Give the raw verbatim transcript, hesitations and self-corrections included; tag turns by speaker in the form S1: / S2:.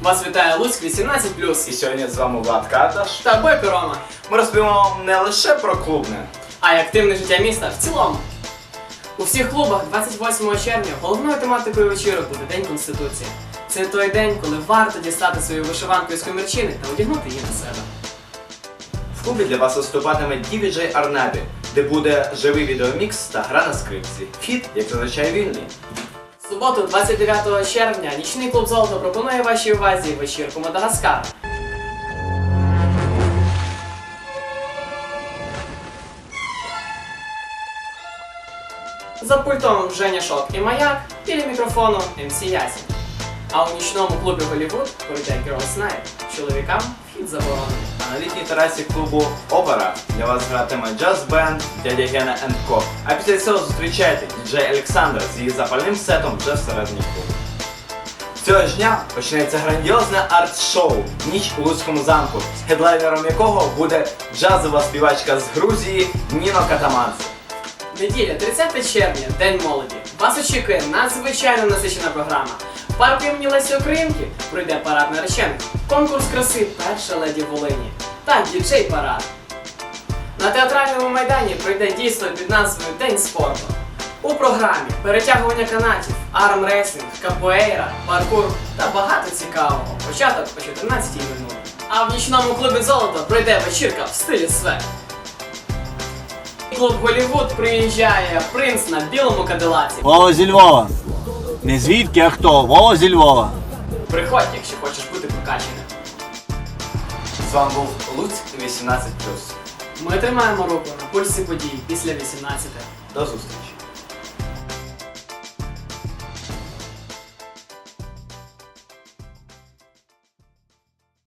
S1: Вас вітає Луцьк вісімнадцять плюс.
S2: І сьогодні з вами Влад Карташ
S1: Та Бойко Рома.
S2: Ми розповімо вам не лише про клубне,
S1: А й активне життя міста в цілому. У всіх клубах двадцять восьмого червня головною тематикою вечірок буде День Конституції. Це той день, коли варто дістати свою вишиванку із комірчини та одягнути її на себе.
S2: в клубі для вас виступатиме ді джей Арнабі, де буде живий відеомікс та гра на скрипці. Вхід, як зазвичай, вільний.
S1: В суботу, двадцять дев'ятого червня, нічний клуб «Золото» пропонує вашій увазі вечірку Мадагаскар. За пультом Женя Шок і Маяк, біля мікрофону ем сі Ясін. А у нічному клубі Голлівуд пройде Girls Night. Чоловікам вхід заборонений.
S2: А на літній терасі клубу Опера для вас гратиме джаз-бенд Дядя Гена енд Ко. А після цього зустрічайте ді джей Олександра з її запальним сетом вже всередині клубу. Цього ж дня почнеться грандіозне арт-шоу «Ніч у Луцькому замку», з хедлайнером якого буде джазова співачка з Грузії Ніно Катаманце.
S1: Неділя, тридцяте червня, День молоді. Вас очікує надзвичайно насичена програма. В парку імені Лесі Українки пройде парад наречених, конкурс краси «Перша леді Волині» та діджей-парад. На театральному майдані пройде дійство під назвою День спорту. У програмі перетягування канатів, армрестлінг, капоейра, паркур та багато цікавого. Початок о чотирнадцятій минулі. А в нічному клубі «Золото» пройде вечірка в стилі свек. Клуб Голлівуд приїжджає принц на білому кадилаці.
S3: Вова зі Львова. Не звідки, а хто? Вова зі Львова.
S1: Приходь, якщо хочеш бути прокачаним.
S2: З вами був Луцьк вісімнадцять плюс.
S1: Ми тримаємо руку на пульсі подій після вісімнадцяти.
S2: До зустрічі!